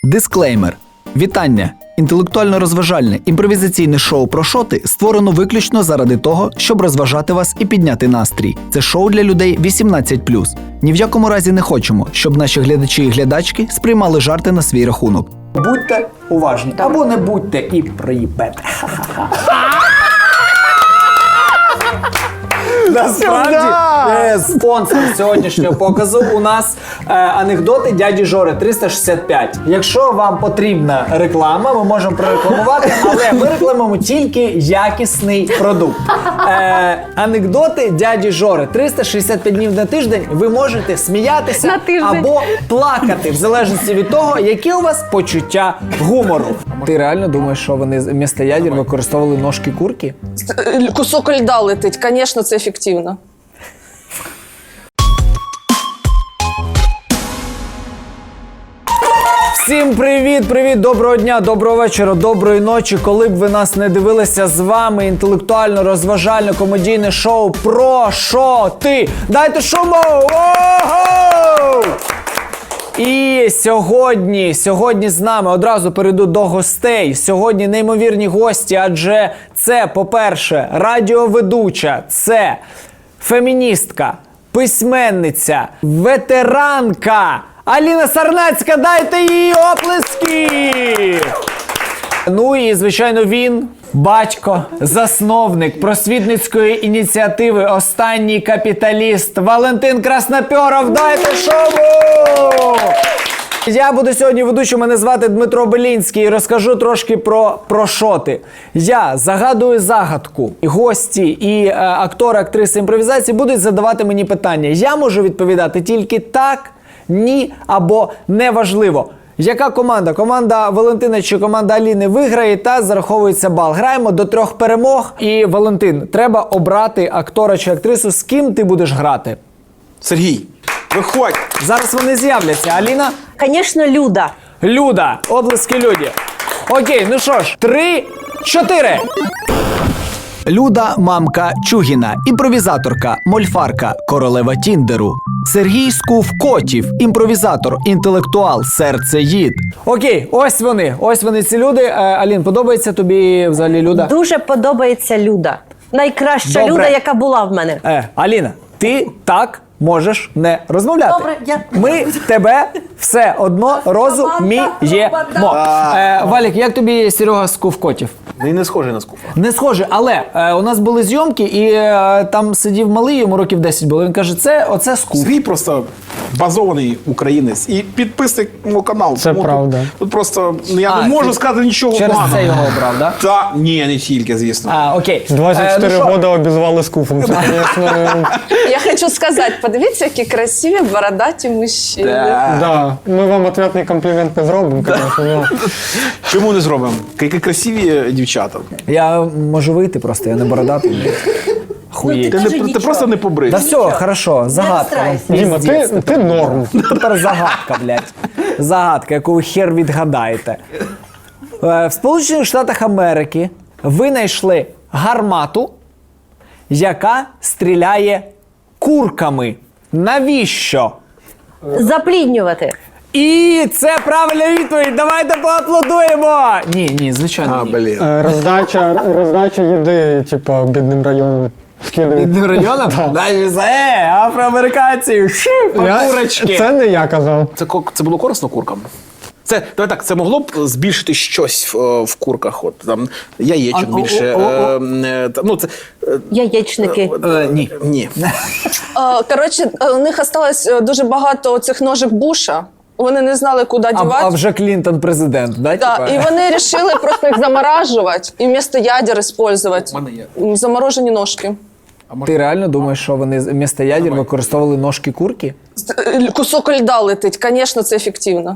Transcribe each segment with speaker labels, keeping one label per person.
Speaker 1: Дисклеймер. Вітання! Інтелектуально-розважальне імпровізаційне шоу «Про шоти» створено виключно заради того, щоб розважати вас і підняти настрій. Це шоу для людей 18+. Ні в якому разі не хочемо, щоб наші глядачі і глядачки сприймали жарти на свій рахунок. Будьте уважні. Або не будьте і приїбете. Насправді, спонсор сьогоднішнього показу у нас анекдоти дяді Жори 365. Якщо вам потрібна реклама, ми можемо прорекламувати, але ми рекламуємо тільки якісний продукт. Анекдоти дяді Жори 365 днів на тиждень. Ви можете сміятися або плакати, в залежності від того, яке у вас почуття гумору. Ти реально думаєш, що вони вмісто ядер використовували ножки курки?
Speaker 2: Кусок льда летить, звісно, це ефективно.
Speaker 1: Всім привіт, доброго дня, доброго вечора, доброї ночі. Коли б ви нас не дивилися, з вами інтелектуально-розважальне комедійне шоу «Про шоти». Дайте шуму! Ого! І сьогодні з нами, одразу перейду до гостей. Сьогодні неймовірні гості, адже це, по-перше, радіоведуча, це феміністка, письменниця, ветеранка Аліна Сарнацька, дайте їй оплески! Ну і, звичайно, він, батько, засновник просвітницької ініціативи «Останній капіталіст» Валентин Красноперов, дайте шуму! Я буду сьогодні ведучим, мене звати Дмитро Белінський і розкажу трошки про шоти. Я загадую загадку. Гості і актори, актриси імпровізації будуть задавати мені питання. Я можу відповідати тільки так, ні або неважливо. Яка команда? Команда Валентина чи команда Аліни виграє та зараховується бал. Граємо до 3 перемог. І, Валентин, треба обрати актора чи актрису, з ким ти будеш грати.
Speaker 3: Сергій, виходь!
Speaker 1: Зараз вони з'являться. Аліна?
Speaker 4: Звісно, Люда.
Speaker 1: Люда. Облески Люді. Окей, ну що ж, 3, 4. Люда – мамка Чугіна, імпровізаторка, мольфарка, королева Тіндеру. Сергій Скув-Котів, імпровізатор, інтелектуал, серцеїд. Окей, ось вони ці люди. Алін, подобається тобі взагалі Люда?
Speaker 4: Дуже подобається Люда. Найкраща
Speaker 1: Добре.
Speaker 4: Люда, яка була в мене.
Speaker 1: Аліна, ти так можеш не розмовляти.
Speaker 4: Добре, я...
Speaker 1: Ми тебе все одно розуміємо. Валік, як тобі Серега Скув-Котів?
Speaker 3: Він не схожий на Скуфа.
Speaker 1: Не схоже, але у нас були зйомки, і там сидів малий, йому років 10 було. Він каже, оце Скуф.
Speaker 3: Сергій просто базований українець і підписник мого каналу.
Speaker 5: Це правда.
Speaker 3: Тут просто я не можу сказати нічого
Speaker 1: Через
Speaker 3: поганого.
Speaker 1: це його обрав, так? Да?
Speaker 3: Та ні, не тільки, звісно.
Speaker 1: Окей.
Speaker 5: 24 роки обізвали Скуфом. Це, звісно...
Speaker 2: Я хочу сказати, подивіться, які красиві бородаті мужчини.
Speaker 5: Да, ми вам ответний комплімент не зробимо, звісно.
Speaker 3: Чому не зробимо? Які красиві дівчата.
Speaker 1: Я можу вийти просто, я не бородатий. Хуєть.
Speaker 3: Ти просто не побрив.
Speaker 1: Да все, хорошо, загадка.
Speaker 5: Діма, ти норм.
Speaker 1: Тепер загадка, блядь. Загадка, яку ви хер відгадаєте. В Сполучених Штатах Америки винайшли гармату, яка стріляє курками. Навіщо?
Speaker 4: Запліднювати.
Speaker 1: І це правильна відповідь. Давайте поаплодуємо. Ні, звичайно.
Speaker 3: Блін.
Speaker 5: Роздача їди, типу, бідним районам.
Speaker 1: Бідним районам? Афроамериканці, курочки.
Speaker 5: Це не я казав.
Speaker 3: Це було корисно куркам? Давай так, це могло б збільшити щось в курках, от там яєчок більше.
Speaker 4: Яєчники.
Speaker 3: Ні.
Speaker 2: Коротше, у них осталось дуже багато цих ножик Буша. Вони не знали, куди дівати.
Speaker 1: А вже Клінтон президент, да?
Speaker 2: Да, і вони вирішили просто їх заморажувати і вместо ядер використовувати заморожені ножки.
Speaker 1: Ти реально думаєш, що вони вмісто ядер використовували ножки курки?
Speaker 2: Кусок льда летить, звісно, це ефективно.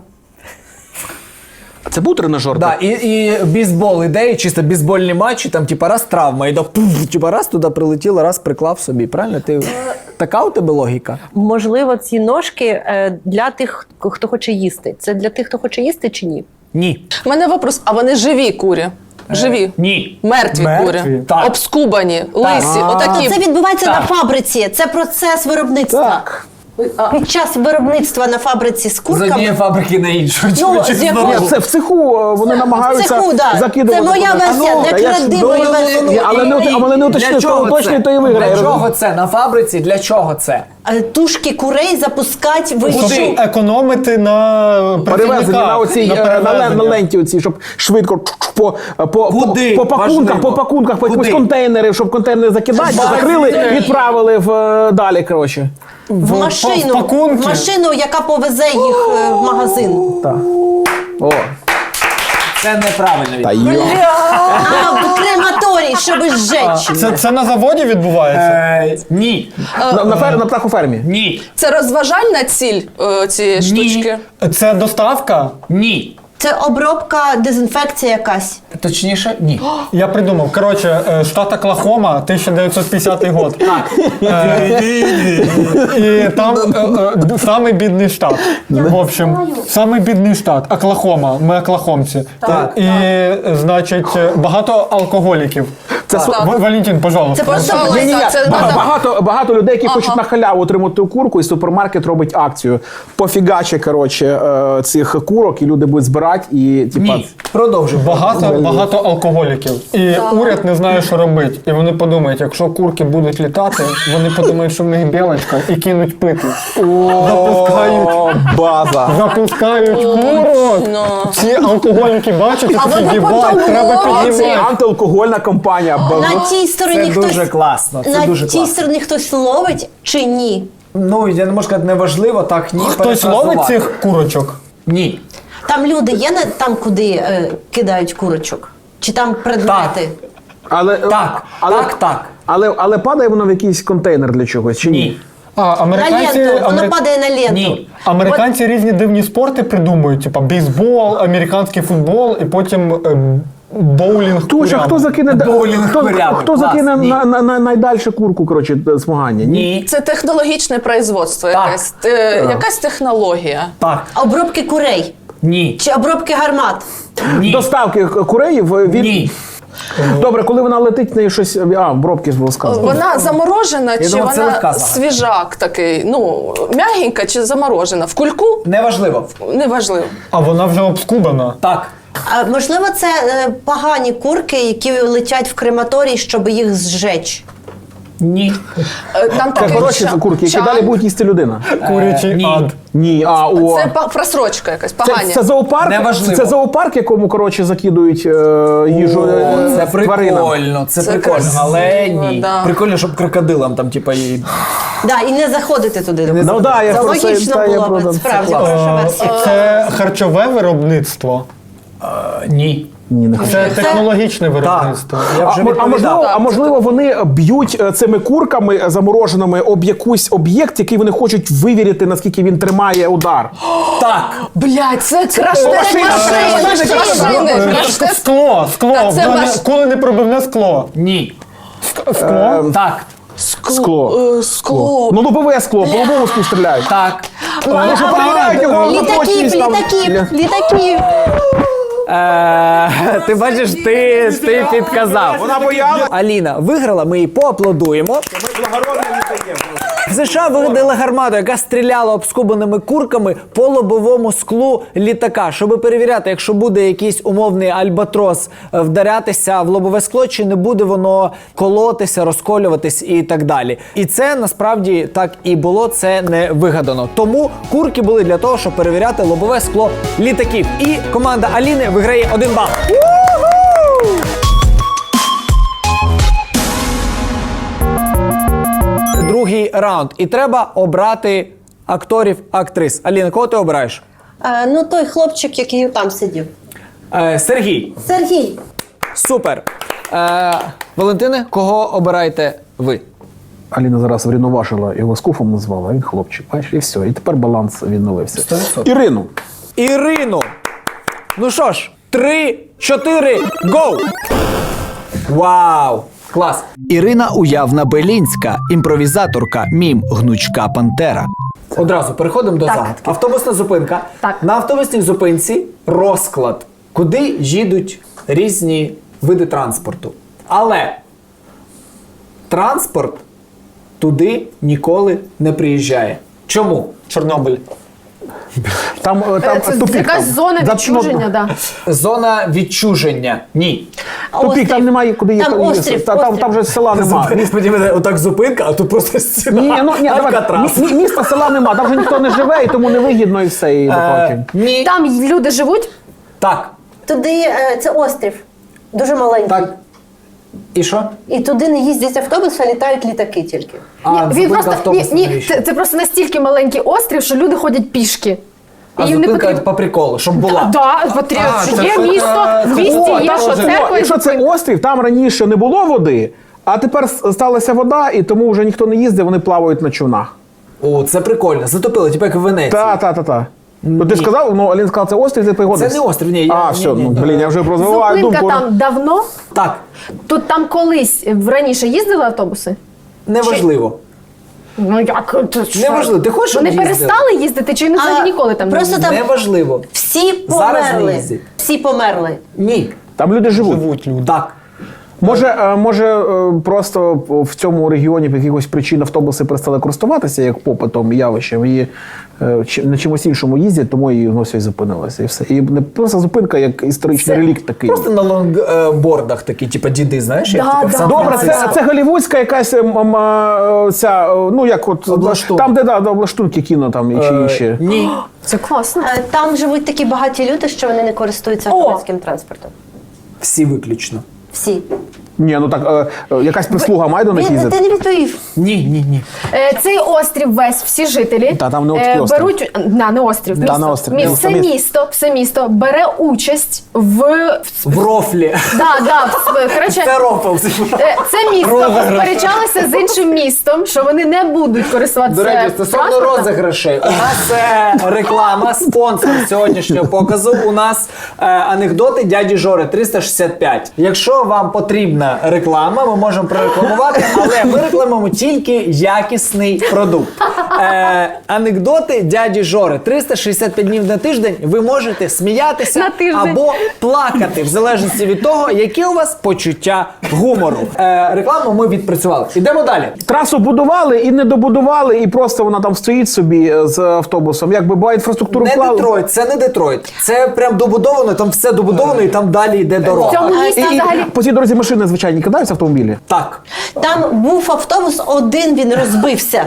Speaker 3: Це був тренажер?
Speaker 1: Да, і бейсбол ідеї, чисто бейсбольні матчі, там типа раз травма, і типа раз туди прилетіло, раз приклав собі, правильно? Така у тебе логіка?
Speaker 4: Можливо, ці ножки для тих, хто хоче їсти. Це для тих, хто хоче їсти чи ні?
Speaker 1: Ні.
Speaker 2: У мене вопрос, а вони живі курі? Живі?
Speaker 1: Ні.
Speaker 2: Мертві курі?
Speaker 1: Так.
Speaker 2: Обскубані, лисі, отакі.
Speaker 4: Це відбувається на фабриці. Це процес виробництва.
Speaker 1: Так.
Speaker 4: Під час виробництва на фабриці з
Speaker 1: З
Speaker 4: курками.
Speaker 1: однієї фабрики на іншу.
Speaker 4: Ну, з якого-
Speaker 3: Ні, це в цеху вони намагаються
Speaker 4: Цеху, да.
Speaker 3: закидувати.
Speaker 4: Це моя
Speaker 3: туди.
Speaker 4: версія,
Speaker 3: Та
Speaker 4: не
Speaker 3: я ж-
Speaker 4: крадивої версії.
Speaker 3: Ні, але не уточнив,
Speaker 1: Для чого
Speaker 3: хто точно
Speaker 1: це?
Speaker 3: то і виграє.
Speaker 1: Для чого це? На фабриці для чого це?
Speaker 4: Тушки курей запускати вище.
Speaker 1: Куди?
Speaker 5: Економити на
Speaker 3: Перевезення на
Speaker 5: працівниках,
Speaker 3: оцій на
Speaker 5: перевезення.
Speaker 3: ленті оцій, щоб швидко
Speaker 1: Куди?
Speaker 3: по пакунках,
Speaker 1: Важливо.
Speaker 3: по якісь
Speaker 1: Куди?
Speaker 3: контейнери, щоб контейнери закидати,
Speaker 1: Базі.
Speaker 3: закрили, відправили далі, коротше.
Speaker 4: В машину,
Speaker 5: пакунки.
Speaker 4: в машину, яка повезе їх в магазин.
Speaker 3: Так. О,
Speaker 1: Це неправильно.
Speaker 3: та
Speaker 1: відповідь.
Speaker 3: йо.
Speaker 4: А, в крематорій, щоб зжечь.
Speaker 5: Це на заводі відбувається?
Speaker 1: Ні.
Speaker 3: На птахофермі.
Speaker 1: Ні.
Speaker 2: Це розважальна ціль цієї штучки?
Speaker 5: Це доставка?
Speaker 1: Ні.
Speaker 4: Це обробка, дезінфекція якась.
Speaker 1: Точніше, ні.
Speaker 5: Я придумав. Коротше, штат Оклахома, 1950 год.
Speaker 1: Так.
Speaker 5: І там самий бідний штат. В общем, самий бідний штат. Оклахома. Ми оклахомці.
Speaker 1: Так.
Speaker 5: І, значить, багато алкоголіків.
Speaker 3: Це
Speaker 5: Валентин, пожалуйста.
Speaker 2: Це пожалуйста,
Speaker 3: Ні-ні-ні,
Speaker 2: це надо.
Speaker 3: багато людей, які хочуть на халяву отримати курку, і супермаркет робить акцію. Пофігаче, коротше, цих курок, і люди будуть збирати, і типа.
Speaker 1: Ні. Продовжуй.
Speaker 5: Багато алкоголіків. І уряд не знає, що робити. І вони подумають, якщо курки будуть літати, вони подумають, що в них білочка, і кинуть пити. Запускають.
Speaker 3: О, база.
Speaker 5: Запускають курок.
Speaker 2: Ну.
Speaker 5: Ці алкоголіки бачать, і
Speaker 2: А
Speaker 5: такі
Speaker 2: вони
Speaker 5: «Єбать,
Speaker 2: потім
Speaker 5: треба
Speaker 2: ловлять.
Speaker 5: піднімати.
Speaker 3: Антиалкогольна кампанія.
Speaker 4: На тій стороні
Speaker 1: Це
Speaker 4: хтось
Speaker 1: дуже класно. Це
Speaker 4: на
Speaker 1: дуже
Speaker 4: тій
Speaker 1: класно.
Speaker 4: стороні хтось ловить чи ні?
Speaker 1: Ну, я не можу сказати, неважливо, так ні.
Speaker 5: Хтось ловить
Speaker 1: перефразувати.
Speaker 5: цих курочок?
Speaker 1: Ні.
Speaker 4: Там люди є там, куди кидають курочок? Чи там предмети?
Speaker 3: Але,
Speaker 1: Так, так.
Speaker 3: Але падає воно в якийсь контейнер для чогось, чи ні?
Speaker 1: Ні.
Speaker 5: А,
Speaker 4: На
Speaker 5: американці,
Speaker 4: ленту, воно падає на ленту.
Speaker 1: Ні.
Speaker 5: американці різні дивні спорти придумують, типа бейсбол, американський футбол і потім боулінг.
Speaker 3: Точно,
Speaker 5: курям.
Speaker 3: хто закине,
Speaker 1: Боулінг курям.
Speaker 3: хто
Speaker 1: Клас,
Speaker 3: закине
Speaker 1: ні.
Speaker 3: на найдальше курку, коротше, змагання?
Speaker 1: Ні.
Speaker 2: Це технологічне производство,
Speaker 1: Так.
Speaker 2: якась технологія.
Speaker 1: Так.
Speaker 4: Обробки курей
Speaker 1: Ні.
Speaker 4: чи обробки гармат?
Speaker 1: Ні.
Speaker 3: Доставки куреїв від...
Speaker 1: Ні.
Speaker 3: Добре, коли вона летить, в неї щось... бробки ж було сказано.
Speaker 2: Вона заморожена чи
Speaker 1: думав, це
Speaker 2: вона
Speaker 1: легка загадка.
Speaker 2: свіжак такий, ну, м'ягенька чи заморожена? В кульку?
Speaker 1: Неважливо.
Speaker 2: Неважливо.
Speaker 5: А вона вже обскубана.
Speaker 1: Так.
Speaker 4: А можливо, це погані курки, які летять в крематорій, щоб їх зжечь.
Speaker 1: Ні.
Speaker 2: Там
Speaker 3: Це
Speaker 2: такий
Speaker 3: хороші курки, які далі будуть їсти людина.
Speaker 5: Курячий
Speaker 1: ні.
Speaker 5: ад.
Speaker 3: Ні,
Speaker 2: Це просрочка якась, погані.
Speaker 3: Це зоопарк?
Speaker 1: Неважливо.
Speaker 3: Це зоопарк, якому, коротше, закидують їжу
Speaker 1: Це
Speaker 3: тваринам.
Speaker 1: прикольно, це
Speaker 2: Це
Speaker 1: прикольно,
Speaker 2: красиво,
Speaker 1: але ні.
Speaker 2: да.
Speaker 1: Прикольно, щоб крокодилам там, типа, і...
Speaker 4: Да, і не заходити туди.
Speaker 3: Ну да, я
Speaker 4: Це
Speaker 3: просто...
Speaker 4: логічно
Speaker 3: та, я
Speaker 4: було
Speaker 3: просто-
Speaker 4: б, справді,
Speaker 1: Це
Speaker 4: хороша версія.
Speaker 5: Це харчове виробництво.
Speaker 1: Ні.
Speaker 3: Ні, не хочу.
Speaker 5: Це технологічне виробництво.
Speaker 1: Я вже відповідав.
Speaker 3: А можливо, вони б'ють цими курками замороженими об якийсь об'єкт, який вони хочуть вивірити, наскільки він тримає удар.
Speaker 1: Так.
Speaker 2: Блядь, це крафтек машини. Крафтек.
Speaker 5: Скло.
Speaker 2: Та це ваш-
Speaker 5: Коли не пробивне скло.
Speaker 1: Ні.
Speaker 5: Скло.
Speaker 1: Так.
Speaker 3: Скло.
Speaker 2: Скло.
Speaker 3: Ну, лобове скло, по лобовому склу стріляють.
Speaker 1: Так.
Speaker 3: Вони ж перевіряють його на точність там.
Speaker 4: Літаків.
Speaker 1: Ти бачиш, ти підказав.
Speaker 3: Вона боялась.
Speaker 1: Аліна виграла, ми їй поаплодуємо. В США вигадали гармату, яка стріляла обскубаними курками по лобовому склу літака, щоб перевіряти, якщо буде якийсь умовний альбатрос вдарятися в лобове скло, чи не буде воно колотися, розколюватись і так далі. І це насправді так і було, це не вигадано. Тому курки були для того, щоб перевіряти лобове скло літаків. І команда Аліни виграє 1 бал. Другий раунд. І треба обрати акторів, актрис. Аліна, кого ти обираєш?
Speaker 4: Ну, той хлопчик, який там сидів.
Speaker 1: Сергій.
Speaker 4: Сергій.
Speaker 1: Супер. Валентине, кого обираєте ви?
Speaker 3: Аліна зараз врівноважила, його скуфом назвала, а він хлопчик. Бачиш, і все. І тепер баланс відновився.
Speaker 1: 100%.
Speaker 3: Ірину.
Speaker 1: Ірину. Ну що ж, 3, 4, гоу! Вау! Клас!
Speaker 6: Ірина Уявна-Белінська, імпровізаторка, мім, гнучка пантера.
Speaker 1: Одразу переходимо до загадки. Автобусна зупинка.
Speaker 4: Так.
Speaker 1: На автобусній зупинці розклад, куди їдуть різні види транспорту. Але транспорт туди ніколи не приїжджає. Чому?
Speaker 5: Чорнобиль.
Speaker 3: Там
Speaker 7: Це
Speaker 3: тупік.
Speaker 7: якась
Speaker 3: там.
Speaker 7: зона
Speaker 3: За-
Speaker 7: відчуження, да.
Speaker 1: Зона відчуження. Ні.
Speaker 3: Тупік, там немає куди їхати.
Speaker 8: Там острів,
Speaker 3: Там же села немає.
Speaker 1: Отак зупинка, а тут просто стіна.
Speaker 3: Ні, давай.
Speaker 1: Алькатрас.
Speaker 3: Міста, села нема, там вже ніхто не живе, і тому не вигідно і все. І
Speaker 1: Ні.
Speaker 7: Там люди живуть.
Speaker 1: Так.
Speaker 8: Туди це острів, дуже маленький.
Speaker 1: Так. І що?
Speaker 8: І туди не їздять автобуси, а літають літаки тільки.
Speaker 7: Він просто це просто настільки маленький острів, що люди ходять пішки.
Speaker 1: А
Speaker 7: І їм не
Speaker 1: зупинка
Speaker 7: потрібно.
Speaker 1: по приколу, щоб була.
Speaker 7: Да, потрібно. Є місто, в місті є, що церква.
Speaker 3: Якщо це острів, там раніше не було води, а тепер сталася вода, і тому вже ніхто не їздить, вони плавають на човнах.
Speaker 1: О, це прикольно. Затопили, типу як в Венеції.
Speaker 3: Та. Ну ти сказав, Алін сказав, це острів, ти пригодився.
Speaker 1: Це не острів, ні.
Speaker 3: Все, я вже розвиваю
Speaker 7: Зупинка
Speaker 3: думку.
Speaker 7: там давно.
Speaker 1: Так.
Speaker 7: Тут там колись раніше їздили автобуси?
Speaker 1: Неважливо.
Speaker 7: Ну як?
Speaker 1: Неважливо. Ти хочеш, щоб
Speaker 7: Вони
Speaker 1: їздили?
Speaker 7: перестали їздити чи взагалі ніколи там не
Speaker 8: просто
Speaker 7: їздили?
Speaker 8: там
Speaker 1: Неважливо.
Speaker 8: всі
Speaker 1: Зараз не
Speaker 8: померли.
Speaker 1: їздять.
Speaker 8: Всі померли.
Speaker 1: Ні.
Speaker 3: Там люди живуть.
Speaker 5: Живуть люди.
Speaker 1: Так.
Speaker 3: Може, просто в цьому регіоні по якихось причин автобуси перестали користуватися як попитом, явищем, і на чимось іншому їздять, тому і воно все і зупинилося. І все. І не просто зупинка, як історичний релікт такий.
Speaker 1: Просто на лонгбордах такі, типу діди, знаєш? як,
Speaker 7: Да,
Speaker 1: типу, в
Speaker 7: да.
Speaker 1: Сан-Франциско.
Speaker 3: Добре, це голівудська якась ця, ну як от
Speaker 1: Облаштунок.
Speaker 3: там, де облаштунки кіно там чи інші.
Speaker 1: Ні.
Speaker 7: Це класно.
Speaker 8: Там живуть такі багаті люди, що вони не користуються громадським транспортом.
Speaker 1: Всі виключно.
Speaker 8: Всі.
Speaker 3: Ні, ну так якась прислуга має до них
Speaker 8: Ти
Speaker 3: їздити.
Speaker 8: не відповів.
Speaker 1: Ні.
Speaker 7: Цей острів весь, всі жителі
Speaker 3: Та, там не такий острів.
Speaker 7: беруть не острів,
Speaker 3: Да,
Speaker 7: місто.
Speaker 3: не острів.
Speaker 7: Все місто бере участь в
Speaker 1: В рофлі.
Speaker 7: коротше,
Speaker 1: Це рофл.
Speaker 7: це місто сперечалося з іншим містом, що вони не будуть користуватися
Speaker 1: До речі, стосовно
Speaker 7: транспортом.
Speaker 1: розіграшей, у нас реклама, спонсор сьогоднішнього показу. У нас анекдоти дяді Жори 365. Якщо вам потрібна реклама, ми можемо прорекламувати, але ми рекламуємо тільки якісний продукт. Анекдоти дяді Жори 365 днів на тиждень. Ви можете сміятися
Speaker 7: На тиждень.
Speaker 1: або плакати, в залежності від того, які у вас почуття гумору. Рекламу ми відпрацювали. Ідемо далі.
Speaker 3: Трасу будували і не добудували, і просто вона там стоїть собі з автобусом. Якби була інфраструктуру
Speaker 1: Не
Speaker 3: вклали.
Speaker 1: Детройт, це не Детройт. Це прям добудовано, там все добудовано і там далі йде
Speaker 7: В
Speaker 1: дорога.
Speaker 7: цьому місті
Speaker 3: І
Speaker 7: взагалі
Speaker 3: по цій дорозі машини звичайні кидаються автомобілі.
Speaker 1: Так.
Speaker 8: Там був автобус один, він розбився.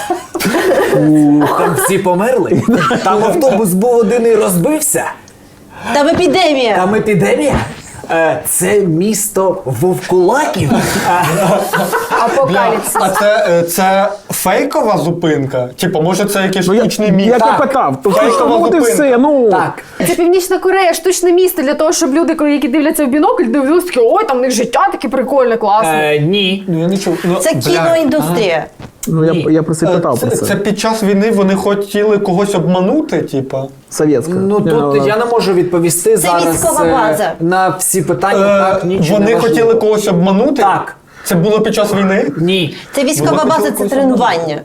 Speaker 1: Там всі померли. Там автобус був один і розбився.
Speaker 8: Там епідемія.
Speaker 1: Там епідемія. Це місто вовкулаків.
Speaker 7: апокаліпсис.
Speaker 5: А це фейкова зупинка? Типу, може це якийсь штучний міст?
Speaker 3: Як я
Speaker 1: Так.
Speaker 3: питав, то
Speaker 5: Фейкова
Speaker 3: от і
Speaker 5: зупинка.
Speaker 3: все. Ну
Speaker 1: Так.
Speaker 7: Це Північна Корея, штучне місто для того, щоб люди, які дивляться в бінокль, дивляться такі, ой, там в них життя таке прикольне, класне.
Speaker 1: Ні.
Speaker 5: Ну, я не чув. Ну,
Speaker 8: Це
Speaker 5: бля.
Speaker 8: кіноіндустрія.
Speaker 3: я про це питав про
Speaker 5: Це
Speaker 3: це.
Speaker 5: під час війни вони хотіли когось обманути, типа.
Speaker 3: Совєтська.
Speaker 1: Ну тут я не можу відповісти зараз
Speaker 8: військова база.
Speaker 1: на всі питання. Так, нічого
Speaker 5: Вони
Speaker 1: не важливо.
Speaker 5: хотіли когось обманути?
Speaker 1: Так.
Speaker 5: Це було під час війни?
Speaker 1: Ні.
Speaker 8: Це військова
Speaker 5: Вона
Speaker 8: база,
Speaker 5: хотіла
Speaker 8: це
Speaker 5: когось
Speaker 8: тренування.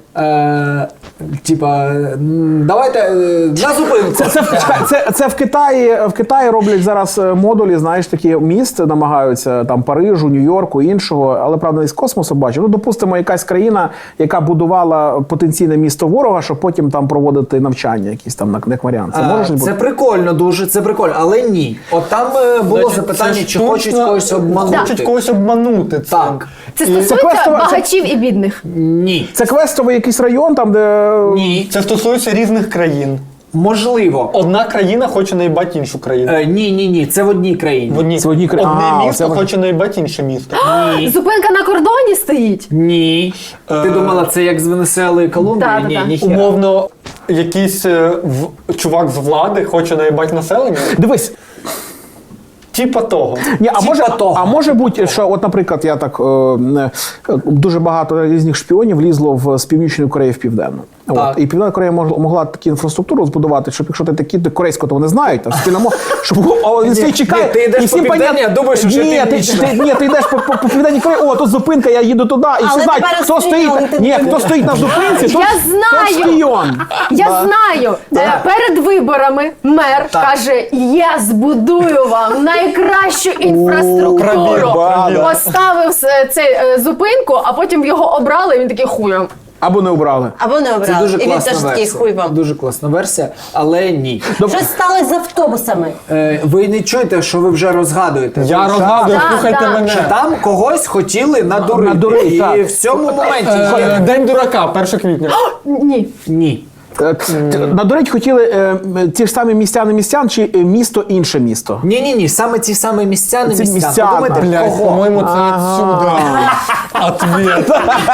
Speaker 1: Давайте на зупинку.
Speaker 3: Це в Китаї роблять зараз модулі, знаєш, такі міст намагаються там Парижу, Нью-Йорку, іншого, але правда не з космосу бачу. Ну, допустимо, якась країна, яка будувала потенційне місто ворога, щоб потім там проводити навчання, якісь там як варіант. Це може
Speaker 1: Це
Speaker 3: бути?
Speaker 1: прикольно дуже, це прикольно, але ні. От там було
Speaker 5: Значить,
Speaker 1: запитання,
Speaker 5: це
Speaker 1: чи хочуть
Speaker 5: штучно-
Speaker 1: когось обманути.
Speaker 5: Хочуть когось обманути. Цим.
Speaker 1: Так.
Speaker 7: Це
Speaker 3: це
Speaker 7: стосується
Speaker 3: квестова-
Speaker 7: багачів і бідних.
Speaker 1: Ні.
Speaker 3: Це квестовий якийсь район, там де
Speaker 1: Ні.
Speaker 5: Це стосується різних країн.
Speaker 1: Можливо.
Speaker 5: Одна країна хоче наїбати іншу країну.
Speaker 1: Ні. Це в одній країні.
Speaker 3: Це одні країни.
Speaker 5: Одне
Speaker 3: А,
Speaker 5: місто
Speaker 3: це-
Speaker 5: хоче наїбати інше місто.
Speaker 7: Зупинка на кордоні стоїть.
Speaker 1: Ні. Ти думала, це як з Венесуели і Колумбії?
Speaker 7: Да,
Speaker 1: Ні,
Speaker 7: да.
Speaker 1: ніхіра.
Speaker 5: Умовно, якийсь чувак з влади хоче наїбати населення.
Speaker 3: Дивись.
Speaker 5: Типа того.
Speaker 3: Ні,
Speaker 1: того.
Speaker 3: а може бути, що, от, наприклад, я так дуже багато різних шпіонів лізло з Північної Кореї в Південну. От.
Speaker 1: Так.
Speaker 3: І Південна Корея могла таку інфраструктуру збудувати, щоб якщо ти такий корейського, то вони знають, там спільно щоб він всі чекає.
Speaker 1: ні, ти йдеш
Speaker 3: і всім
Speaker 1: по Південній,
Speaker 3: понятно-
Speaker 1: а думаєш, що вже
Speaker 3: ні,
Speaker 1: Північна.
Speaker 3: ти йдеш по Південній Кореї, о, тут зупинка, я їду туди, і всі
Speaker 8: Але
Speaker 3: знають,
Speaker 8: тепер
Speaker 3: хто
Speaker 8: шпіон,
Speaker 3: стоїть.
Speaker 8: ти
Speaker 3: Ні,
Speaker 8: не
Speaker 3: хто стоїть на зупинці,
Speaker 7: Я
Speaker 3: тот
Speaker 7: знаю!
Speaker 3: шпіон.
Speaker 7: Я знаю. Перед виборами мер каже: я збудую вам найкращу інфраструктуру.
Speaker 3: пробіл, да.
Speaker 7: Поставив цей зупинку, а потім його обрали, і він такий хуєм.
Speaker 3: Або не обрали.
Speaker 8: Або не
Speaker 1: Це
Speaker 8: обрали.
Speaker 1: дуже
Speaker 8: І він
Speaker 1: класна
Speaker 8: теж такий,
Speaker 1: версія.
Speaker 8: хуй вам.
Speaker 1: Дуже класна версія, але ні.
Speaker 8: Що сталося з автобусами?
Speaker 1: Ви не чуєте, що ви вже розгадуєте.
Speaker 5: Я
Speaker 1: Ви вже-
Speaker 5: розгадую,
Speaker 7: Так,
Speaker 5: слухайте
Speaker 7: так.
Speaker 5: мене.
Speaker 1: Що там когось хотіли надурити.
Speaker 3: Надурити,
Speaker 1: І
Speaker 3: так.
Speaker 1: в цьому моменті є...
Speaker 5: День дурака, 1 квітня.
Speaker 7: Ні.
Speaker 1: Ні.
Speaker 3: Надурить хотіли ті ж самі містяни містян чи місто інше місто?
Speaker 1: Ні, саме ті самі містяни
Speaker 3: Ці
Speaker 1: містян.
Speaker 3: містяни.
Speaker 1: Подумайте,
Speaker 5: Блядь,
Speaker 1: кого?
Speaker 5: по-моєму, це відсюди. Ответ.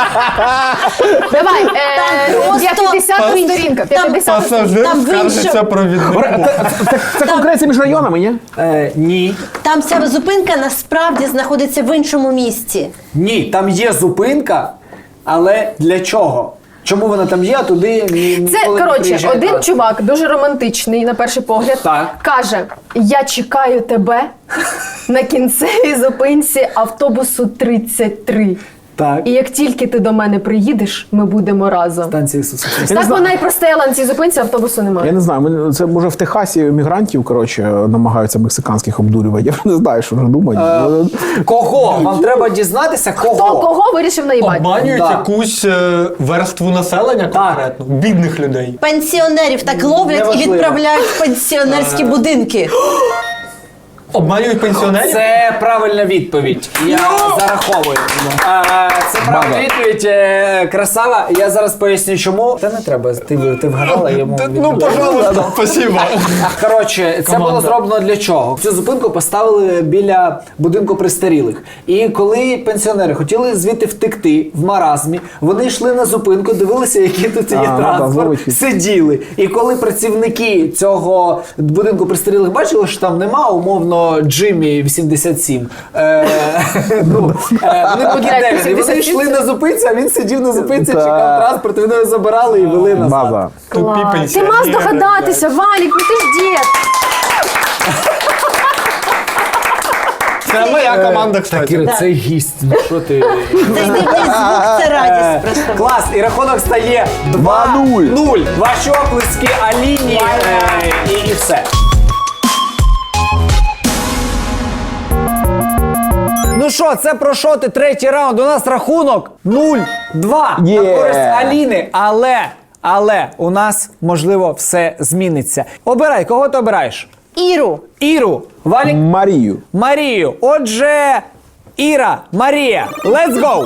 Speaker 7: Давай,
Speaker 8: просто
Speaker 7: 50 сторінка. 50
Speaker 5: Пасажир
Speaker 8: Там в
Speaker 5: скаржиться
Speaker 8: іншому-
Speaker 5: провіднику.
Speaker 3: Це конкуренція між районами, ні?
Speaker 1: Ні.
Speaker 8: Там ця зупинка насправді знаходиться в іншому місті.
Speaker 1: Ні, там є зупинка, але для чого? Чому вона там є, а туди
Speaker 7: Це,
Speaker 1: ніколи не
Speaker 7: коротше,
Speaker 1: приїжджає
Speaker 7: один
Speaker 1: транспорт?
Speaker 7: чувак, дуже романтичний на перший погляд,
Speaker 1: Так.
Speaker 7: каже: я чекаю тебе на кінцевій зупинці автобусу 33.
Speaker 1: Так.
Speaker 7: І як тільки ти до мене приїдеш, ми будемо разом.
Speaker 1: Станція Ісуса Христа.
Speaker 7: Так вона і простояла на цій зупинці, автобусу
Speaker 3: Я
Speaker 7: немає.
Speaker 3: не знаю, це може в Техасі мігрантів, коротше, намагаються мексиканських обдурювати. Я не знаю, що вже думають.
Speaker 1: Кого? Вам треба дізнатися,
Speaker 7: Хто
Speaker 1: кого?
Speaker 7: кого вирішив наїбати?
Speaker 5: Обманюють
Speaker 1: Да.
Speaker 5: якусь верству населення конкретно, бідних людей.
Speaker 8: Пенсіонерів так ловлять і
Speaker 1: Неважливо.
Speaker 8: відправляють в пенсіонерські будинки.
Speaker 5: Обманюють пенсіонерів?
Speaker 1: Це правильна відповідь. Я зараховую. Це правильна відповідь. Красава. Я зараз поясню, чому. Та не треба. Ти вгадала йому.
Speaker 5: Ну, пожалуйста, спасибо.
Speaker 1: Коротше, це було зроблено для чого? Цю зупинку поставили біля будинку престарілих. І коли пенсіонери хотіли звідти втекти в маразмі, вони йшли на зупинку, дивилися, який тут є
Speaker 3: там
Speaker 1: транспорт,
Speaker 3: зловить.
Speaker 1: сиділи. І коли працівники цього будинку престарілих бачили, що там нема, умовно, Джиммі 87. Вони покидали. І вони йшли на зупинці, а він сидів на зупинці,
Speaker 3: Так.
Speaker 1: чекав транспорт, і вони його забирали і вели назад.
Speaker 3: База.
Speaker 5: Тупі
Speaker 7: Ти
Speaker 5: пенсіонери.
Speaker 7: мав здогадатися, Валік, ну ти ж дід.
Speaker 5: Це моя команда, кстати.
Speaker 1: Кіра, це гість. Ну що ти?
Speaker 8: Цей дивний звук це радість просто.
Speaker 1: Клас, і рахунок стає 2-0. Ваші оплески Аліні і все. Ну що, це про шоти, третій раунд. У нас рахунок 0-2 на користь Аліни. Але у нас, можливо, все зміниться. Обирай, кого ти обираєш?
Speaker 8: Іру.
Speaker 1: Іру, Валік,
Speaker 3: Марію.
Speaker 1: Марію. Отже, Іра, Марія, let's go!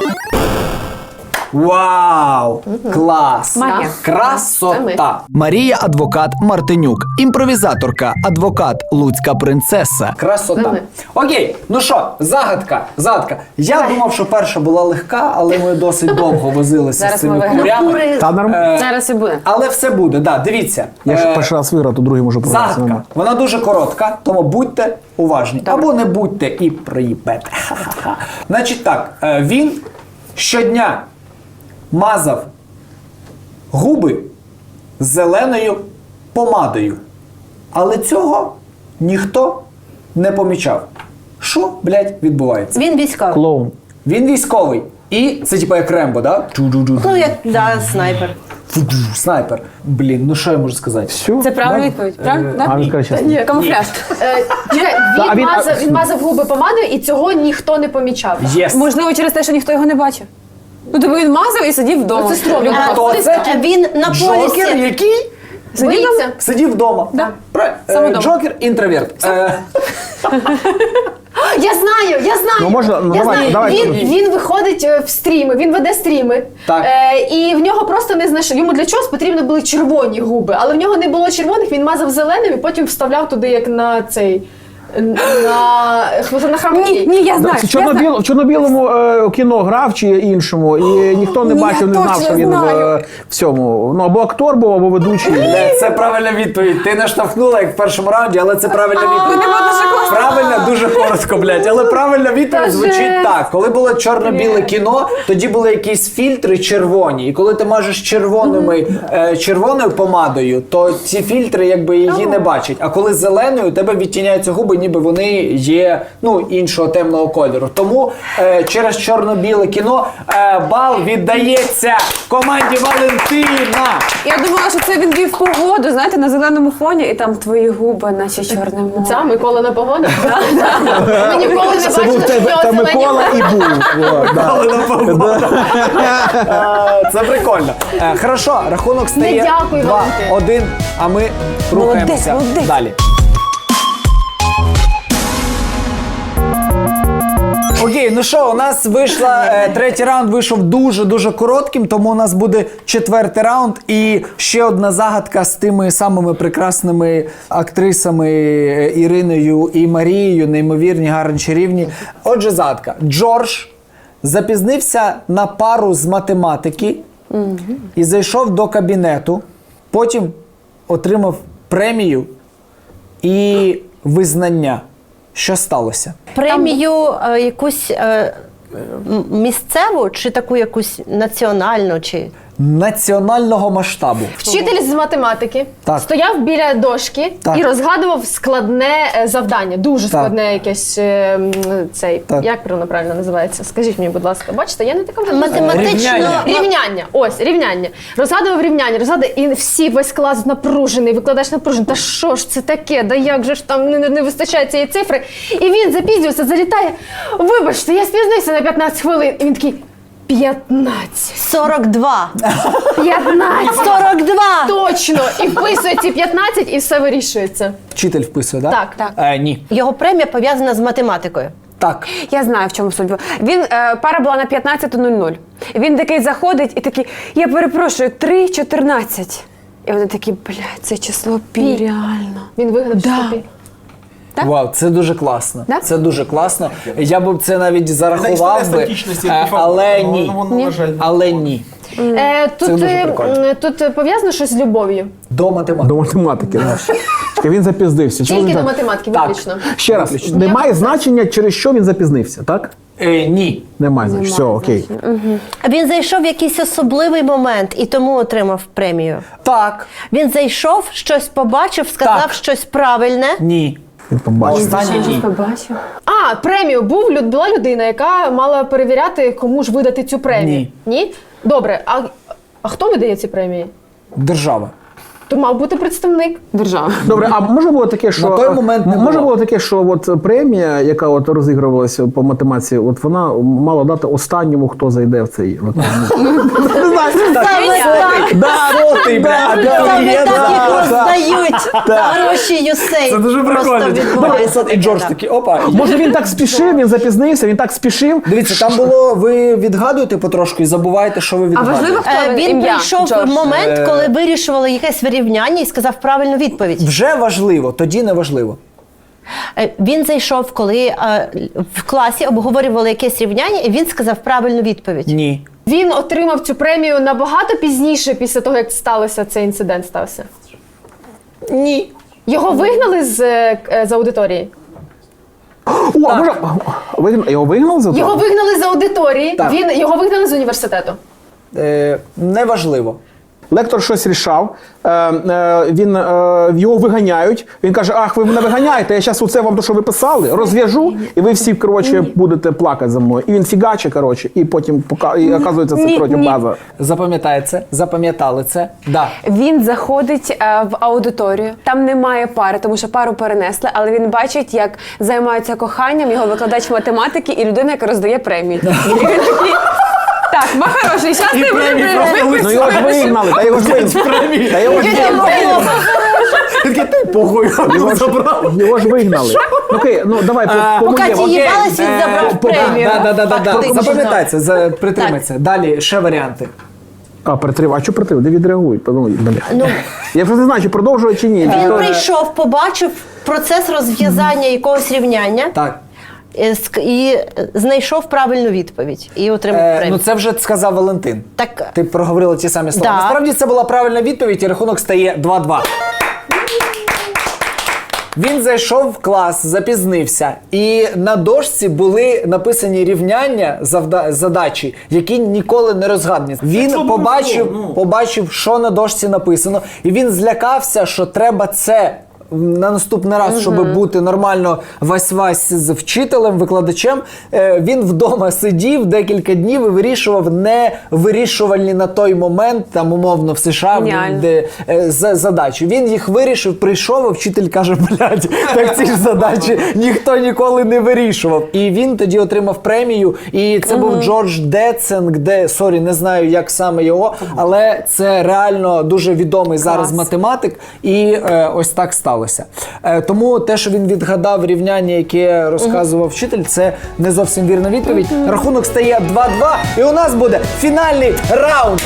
Speaker 1: Вау! Клас!
Speaker 7: Магія. Це
Speaker 1: Красота!
Speaker 6: Марія адвокат Мартинюк, імпровізаторка, адвокат Луцька принцеса.
Speaker 1: Красота. Окей, ну що, загадка. Я думав, що перша була легка, але ми досить довго возилися
Speaker 2: Зараз
Speaker 1: з цими
Speaker 2: ми виграємо.
Speaker 1: курями.
Speaker 3: Та норм.
Speaker 2: Зараз і буде.
Speaker 1: Але все буде, да, дивіться.
Speaker 3: Я ще перший раз виграв, то другий можу програти.
Speaker 1: Загадка. Вона дуже коротка, тому будьте уважні. Або не будьте і проїбете. Ха-ха-ха. Значить так, він щодня мазав губи зеленою помадою. Але цього ніхто не помічав. Що, блядь, відбувається?
Speaker 8: Він військовий.
Speaker 3: Клоун.
Speaker 1: Він військовий. І це типа як Рембо, да?
Speaker 8: Ну, як снайпер.
Speaker 1: Снайпер. Блін, ну що я можу сказати?
Speaker 3: Все.
Speaker 2: Це правильна відповідь, правильно? Да?
Speaker 3: А він каже, чесно.
Speaker 7: Ні,
Speaker 2: Камуфляж.
Speaker 7: Чекай,
Speaker 3: а він-
Speaker 7: він мазав губи помадою, і цього ніхто не помічав.
Speaker 1: Єс.
Speaker 2: Можливо, через те, що ніхто його не бачив. Ну, тобі він мазав і сидів вдома.
Speaker 7: Це стрьомно.
Speaker 2: Любов.
Speaker 1: Хто це?
Speaker 8: Він на
Speaker 1: Джокер,
Speaker 8: полісі.
Speaker 1: який?
Speaker 7: Боїться.
Speaker 1: Сидів вдома.
Speaker 2: Да.
Speaker 1: Правильно.
Speaker 2: вдома.
Speaker 1: Джокер, інтроверт.
Speaker 7: Я знаю.
Speaker 3: Ну, можна, ну,
Speaker 7: Я
Speaker 3: давай,
Speaker 7: знаю.
Speaker 3: давай.
Speaker 7: Він виходить в стріми, він веде стріми.
Speaker 1: Так.
Speaker 7: І в нього просто не знайшли. Йому для чогось потрібно були червоні губи, але в нього не було червоних, він мазав зеленим і потім вставляв туди, як на цей. На храмки.
Speaker 2: Ні, я знаю.
Speaker 3: В чорно-білому кіно грав чи іншому, і ніхто не
Speaker 2: Ні,
Speaker 3: бачив,
Speaker 2: я
Speaker 3: не знав,
Speaker 2: точно
Speaker 3: що він
Speaker 2: знаю.
Speaker 3: в цьому. Ну, або актор був, або ведучий.
Speaker 1: Це правильна відповідь. Ти наштовхнула, як в першому раунді, але це правильна відповідь. Правильно, дуже коротко, блядь. Але правильна відповідь звучить так. Коли було чорно-біле кіно, тоді були якісь фільтри червоні. І коли ти мажеш червоною помадою, то ці фільтри якби її не бачать. А коли зеленою, у тебе відтіняються губи, ніби вони є іншого темного кольору. Тому через чорно-біле кіно бал віддається команді Валентина.
Speaker 9: Я думала, що це він вів погоду, знаєте, на зеленому фоні, і там твої губи, наче чорне море.
Speaker 7: Це Микола на погоду? Ми ніколи не
Speaker 3: Це був
Speaker 7: бачили, що в нього
Speaker 3: та
Speaker 7: зелені
Speaker 3: Микола і був.
Speaker 1: Це прикольно. Хорошо, рахунок стає
Speaker 7: дякую,
Speaker 1: 2-1, а ми рухаємося
Speaker 9: молодець.
Speaker 1: далі. Окей, ну що, у нас третій раунд вийшов дуже-дуже коротким, тому у нас буде четвертий раунд і ще одна загадка з тими самими прекрасними актрисами Іриною і Марією, неймовірні, гарні, чарівні. Отже, загадка. Джордж запізнився на пару з математики і зайшов до кабінету, потім отримав премію і визнання. Що сталося?
Speaker 4: Премію якусь місцеву чи таку якусь національну? Чи...
Speaker 1: Національного масштабу.
Speaker 7: Вчитель з математики
Speaker 1: Так.
Speaker 7: стояв біля дошки
Speaker 1: Так.
Speaker 7: і розгадував складне завдання. Дуже складне якесь
Speaker 1: Так.
Speaker 7: як правильно називається? Скажіть мені, будь ласка. Бачите, я не така вже
Speaker 4: Математично.
Speaker 7: Рівняння. Ось, рівняння. Розгадував рівняння, і весь клас напружений, викладач напружений. Та що ж це таке? Да як же ж там не вистачає цієї цифри? І він запізнюється, залітає. Вибачте, я спізнився на 15 хвилин. І він такий, 15.
Speaker 4: 42.
Speaker 7: 15.
Speaker 4: 42!
Speaker 7: Точно! І вписує ці 15 і все вирішується.
Speaker 1: Вчитель вписує, так?
Speaker 7: Так.
Speaker 1: Ні.
Speaker 4: Його премія пов'язана з математикою.
Speaker 1: Так.
Speaker 9: Я знаю, в чому суть. Він, пара була на 15:00. Він такий заходить і такий, я перепрошую, 3:14. І вони такі, це число пі, реально.
Speaker 7: Він вигадав собі.
Speaker 9: Так?
Speaker 1: Вау, це дуже класно.
Speaker 9: Да?
Speaker 1: Це дуже класно. Я б це навіть зарахував би, але ні. Але ні.
Speaker 7: Тут пов'язано щось з любов'ю.
Speaker 1: До математики.
Speaker 3: До математики. Чекай, він запізнився. Чому
Speaker 7: Тільки
Speaker 3: він
Speaker 7: до
Speaker 3: так?
Speaker 7: математики,
Speaker 1: Так.
Speaker 7: виключно.
Speaker 3: Ще раз, немає значення, через що він запізнився, так?
Speaker 1: Ні.
Speaker 3: Немає значення. Все, окей.
Speaker 4: Він зайшов в якийсь особливий момент і тому отримав премію.
Speaker 1: Так.
Speaker 4: Він зайшов, щось побачив, сказав
Speaker 1: Так.
Speaker 4: щось правильне.
Speaker 1: Ні.
Speaker 3: Він побачив.
Speaker 1: Останнє ні.
Speaker 9: Побачив.
Speaker 7: Премію. Була людина, яка мала перевіряти, кому ж видати цю премію. Ні? Добре, а хто видає ці премії?
Speaker 1: Держава.
Speaker 7: То мав бути представник.
Speaker 9: Держава.
Speaker 3: Добре, а може було таке, що
Speaker 1: На той момент не
Speaker 3: може
Speaker 1: було.
Speaker 3: було таке, що от премія, яка от розігрувалася по математиці, от вона мала дати останньому, хто зайде в цей
Speaker 1: Сотий, бля,
Speaker 4: Саме так їх роздають за гроші Юсей.
Speaker 1: Це дуже прикольно.
Speaker 4: Просто відбувається
Speaker 1: І Джордж такий, опа.
Speaker 3: Може він так спішив, він запізнився, він так спішив.
Speaker 1: Дивіться, там було, ви відгадуєте потрошку і забуваєте, що ви
Speaker 9: А
Speaker 1: відгадуєте.
Speaker 9: важливо, хто
Speaker 4: Він
Speaker 9: ім'я?
Speaker 4: прийшов
Speaker 9: Джордж.
Speaker 4: в момент, коли вирішували якесь вирівняння і сказав правильну відповідь.
Speaker 1: Вже важливо, тоді не важливо.
Speaker 4: Він зайшов, коли в класі обговорювали якесь рівняння, і він сказав правильну відповідь.
Speaker 1: Ні.
Speaker 7: Він отримав цю премію набагато пізніше, після того, як цей інцидент стався.
Speaker 1: Ні.
Speaker 7: Його вигнали з аудиторії.
Speaker 3: О, а може його вигнали за
Speaker 7: Його
Speaker 3: то?
Speaker 7: вигнали з аудиторії,
Speaker 1: Так.
Speaker 7: його вигнали з університету.
Speaker 1: Неважливо.
Speaker 3: Лектор щось рішав, його виганяють, він каже, ах, ви мене виганяєте, я зараз оце вам то, що ви писали, розв'яжу, і ви всі, коротше, будете плакати за мною. І він фігаче, коротше, і потім, і оказується, це, коротше, база.
Speaker 1: Запам'ятали це. Да.
Speaker 9: Він заходить в аудиторію, там немає пари, тому що пару перенесли, але він бачить, як займаються коханням його викладач математики і людина, яка роздає премії. І він такий, так, ма хороший, зараз ти будеш.
Speaker 3: Ну його ж вигнали, та його ж вигнали. Та його ж вигнали. Його ж вигнали. Окей, ну давай
Speaker 4: Поки ті
Speaker 3: по-моєму.
Speaker 4: їбались, він забрав премію. Фактично.
Speaker 1: Запам'ятайте, притримайте. Далі ще варіанти.
Speaker 3: А що притримав? Де відреагують?
Speaker 4: Ну,
Speaker 3: Я вже не знаю, чи продовжувати, чи ні.
Speaker 4: він прийшов, побачив процес розв'язання якогось рівняння
Speaker 1: Так.
Speaker 4: і знайшов правильну відповідь і отримав премію.
Speaker 1: Ну це вже сказав Валентин.
Speaker 4: Так.
Speaker 1: Ти проговорила ті самі слова.
Speaker 4: Да.
Speaker 1: Насправді це була правильна відповідь і рахунок стає 2-2. Він зайшов в клас, запізнився, і на дошці були написані рівняння, задачі, які ніколи не розгадані. Він побачив, що на дошці написано, і він злякався, що треба це на наступний раз, щоб бути нормально вась-вась з вчителем, викладачем, він вдома сидів декілька днів і вирішував невирішувальні на той момент, там умовно в США,
Speaker 9: Геніально.
Speaker 1: де задачі. Він їх вирішив, прийшов, а вчитель каже, блядь, так ці ж задачі ніхто ніколи не вирішував. І він тоді отримав премію, і це був Джордж Децинг, сорі, не знаю, як саме його, але це реально дуже відомий зараз математик, і ось так сталося. Тому те, що він відгадав рівняння, яке розказував вчитель, це не зовсім вірна відповідь. Рахунок стає 2-2, і у нас буде фінальний раунд.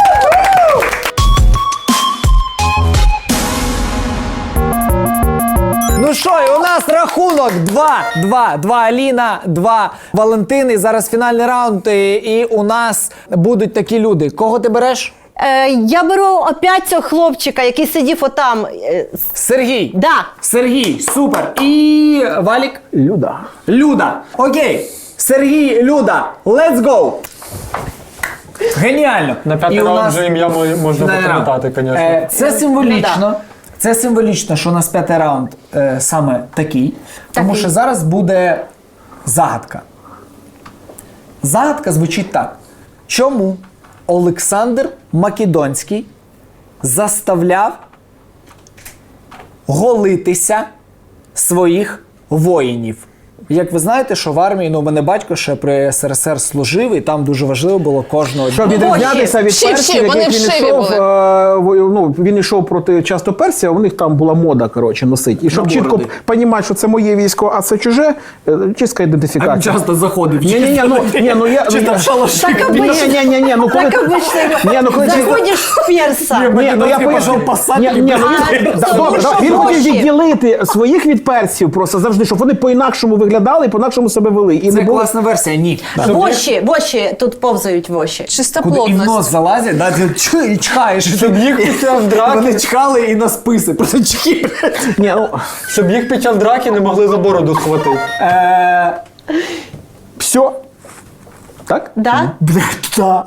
Speaker 1: Ну що, і у нас рахунок 2-2. 2 Аліна, 2 Валентин. І зараз фінальний раунд. І у нас будуть такі люди. Кого ти береш?
Speaker 4: Я беру опять цього хлопчика, який сидів отам.
Speaker 1: Сергій.
Speaker 4: Да.
Speaker 1: Сергій, супер. І Валік?
Speaker 3: Люда.
Speaker 1: Люда. Окей. Сергій, Люда. Let's go. Геніально.
Speaker 5: На п'ятий
Speaker 1: І у
Speaker 5: раунд
Speaker 1: нас
Speaker 5: вже ім'я можна
Speaker 1: фінальний раунд.
Speaker 5: запам'ятати, звісно.
Speaker 1: Це символічно. Це символічно, що у нас п'ятий раунд саме такий. Тому що зараз буде загадка. Загадка звучить так. Чому Олександр Македонський заставляв голитися своїх воїнів? Як ви знаєте, що в армії, у мене батько ще при СРСР служив, і там дуже важливо було кожного
Speaker 3: Щоб відрізнятися від
Speaker 2: Вшиві,
Speaker 3: персів,
Speaker 2: вони
Speaker 3: яких він
Speaker 2: вшиві
Speaker 3: йшов,
Speaker 2: були.
Speaker 3: він йшов проти часто персів, а у них там була мода, носити. І щоб чітко
Speaker 1: бороди.
Speaker 3: розуміти, що це моє військо, а це чуже, чистка ідентифікація.
Speaker 1: заходив.
Speaker 3: Ні,
Speaker 1: Чисто в шалаші.
Speaker 4: Так
Speaker 3: Ні,
Speaker 4: обично.
Speaker 3: коли...
Speaker 4: Так обично.
Speaker 3: Ні, коли...
Speaker 4: Заходиш в перса.
Speaker 3: Ні, я поясню. Добре, він хотів відділити своїх від персів просто завжди, щоб вони по-інакшому виглядали і по-інакшому себе вели. І
Speaker 1: Це
Speaker 3: не було...
Speaker 1: класна версія, ні.
Speaker 4: Воші тут повзають воші.
Speaker 1: Куди і в
Speaker 2: Чистоплотність.
Speaker 1: нос залазять, да, ти і чхаєш. Щоб їх під час драки. Вони чхали і на списи, просто чхи.
Speaker 3: Ні,
Speaker 5: Щоб їх під час драки не могли за бороду схватити.
Speaker 3: все. Так?
Speaker 4: Да?
Speaker 1: Блядь, да.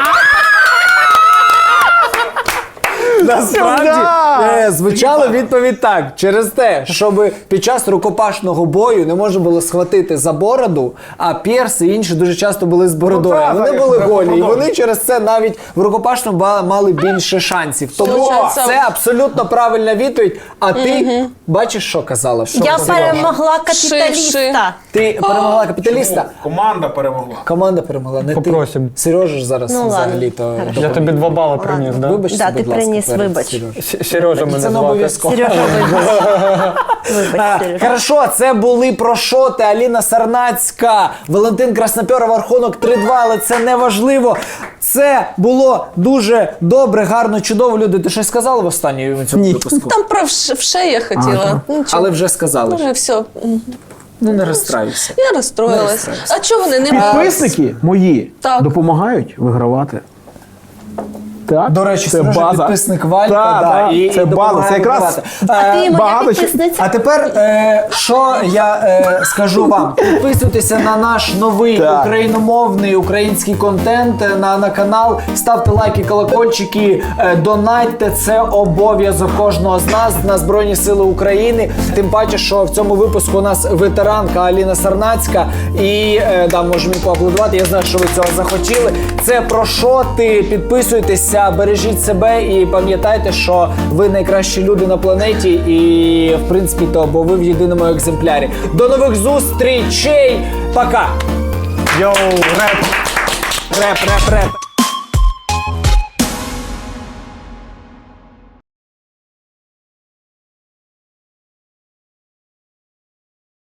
Speaker 1: Насправді звучала відповідь так. Через те, щоб під час рукопашного бою не можна було схватити за бороду, а перси і інші дуже часто були з бородою.
Speaker 3: так,
Speaker 1: Вони
Speaker 3: так,
Speaker 1: були
Speaker 3: так,
Speaker 1: голі, і
Speaker 3: продовжуй.
Speaker 1: вони через це навіть в рукопашному мали більше шансів. Тому
Speaker 2: Це-
Speaker 1: це абсолютно правильна відповідь. А ти бачиш, що казала? Що
Speaker 4: Я
Speaker 1: казала?
Speaker 4: перемогла капіталіста.
Speaker 1: Ти перемогла капіталіста?
Speaker 3: Команда перемогла.
Speaker 1: Команда перемогла, не
Speaker 5: Попросим.
Speaker 1: ти. Сережа ж зараз
Speaker 4: Ну,
Speaker 1: взагалі то.
Speaker 5: Я тобі 2 бали приніс, да?
Speaker 1: Вибачте,
Speaker 4: Да,
Speaker 1: будь
Speaker 4: ти
Speaker 1: ласка,
Speaker 4: приніс,
Speaker 1: перед
Speaker 4: вибач.
Speaker 1: Сережею.
Speaker 5: Сережа мене
Speaker 1: Це не
Speaker 5: звати.
Speaker 1: обов'язково.
Speaker 4: Сережа, вибач, Сережа.
Speaker 1: Хорошо, це були прошоти Аліна Сарнацька, Валентин Краснопьоров, рахунок 3-2, але це не важливо. Це було дуже добре, гарно, чудово. Люди, ти щось сказали в останньому цьому випуску?
Speaker 2: Там про вше я хотіла. Ну, чого?
Speaker 1: Але вже сказали.
Speaker 2: Вже все.
Speaker 1: Ну не розстраюйся.
Speaker 2: Я розстроїлась. А чого вони не
Speaker 3: Підписники мої
Speaker 2: Так.
Speaker 3: допомагають вигравати. Так?
Speaker 1: До речі,
Speaker 3: це
Speaker 1: Сережа
Speaker 3: база.
Speaker 1: підписник Валька,
Speaker 3: Так,
Speaker 1: да,
Speaker 3: так,
Speaker 1: і
Speaker 3: це база.
Speaker 1: допомагає
Speaker 3: Це якраз
Speaker 1: вибивати.
Speaker 4: А ти моя
Speaker 3: багато
Speaker 4: підписниця?
Speaker 1: А тепер, що я скажу вам? Підписуйтеся на наш новий
Speaker 3: Так.
Speaker 1: україномовний український контент на канал, ставте лайки, колокольчики, донатьте, це обов'язок кожного з нас на Збройні Сили України. Тим паче, що в цьому випуску у нас ветеранка Аліна Сарнацька. І да, можемо їй поаплодувати, я знаю, що ви цього захотіли. Це про що ти? Підписуйтеся, бережіть себе і пам'ятайте, що ви найкращі люди на планеті і, в принципі, то, бо ви в єдиному екземплярі. До нових зустрічей! Пока! Йоу, реп! Реп, реп, реп!